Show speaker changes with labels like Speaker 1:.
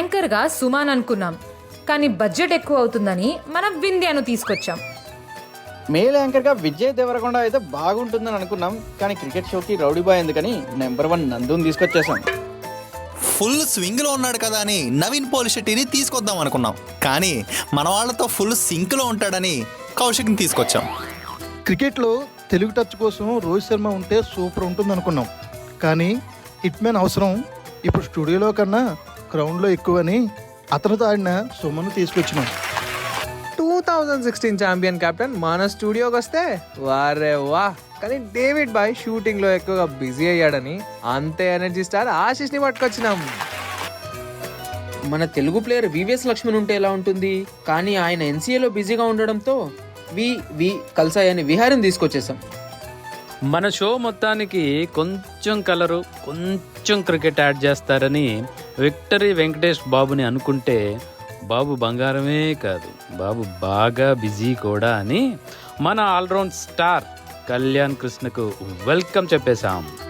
Speaker 1: యాంకర్గా సుమాన్ అనుకున్నాం, కానీ బడ్జెట్ ఎక్కువ అవుతుందని మనం వింధ్యాను తీసుకొచ్చాం.
Speaker 2: మేల్ యాంకర్గా విజయ్ దేవరకొండ అయితే బాగుంటుందని అనుకున్నాం, కానీ క్రికెట్ షోకి రౌడీ బాయ్ ఎందుకని నెంబర్ 1 నందుని తీసుకొచ్చేసాం.
Speaker 3: ఫుల్ స్వింగ్లో ఉన్నాడు కదా అని నవీన్ పోలిశెట్టిని తీసుకొద్దాం అనుకున్నాం, కానీ మన వాళ్ళతో ఫుల్ సింక్లో ఉంటాడని కౌశిక్ని తీసుకొచ్చాం.
Speaker 4: క్రికెట్లో తెలుగు టచ్ కోసం రోహిత్ శర్మ ఉంటే సూపర్ ఉంటుంది అనుకున్నాం, కానీ హిట్ మ్యాన్ అవసరం ఇప్పుడు స్టూడియోలో కన్నా గ్రౌండ్లో ఎక్కువని అతనితో ఆడిన సుమన్ తీసుకొచ్చినాం.
Speaker 5: 2016 ఛాంపియన్ కెప్టెన్ మన స్టూడియోకి వస్తే వారే వా, కానీ డేవిడ్ బాయ్ షూటింగ్లో ఎక్కువగా బిజీ అయ్యాడని అంతే ఎనర్జీ స్టార్ ఆశిష్ని పట్టుకొచ్చినాం.
Speaker 6: మన తెలుగు ప్లేయర్ వివిఎస్ లక్ష్మణ్ ఉంటే ఎలా ఉంటుంది, కానీ ఆయన ఎన్సీఏలో బిజీగా ఉండడంతో వి కల్సాయని విహారం తీసుకొచ్చేసాం.
Speaker 7: మన షో మొత్తానికి కొంచెం కలరు, కొంచెం క్రికెట్ యాడ్ చేస్తారని విక్టరీ వెంకటేష్ బాబుని అనుకుంటే బాబు బంగారమే కాదు, బాబు బాగా బిజీ కూడా అని మన ఆల్రౌండ్ స్టార్ కళ్యాణ్ కృష్ణకు వెల్కమ్ చెప్పేశాం.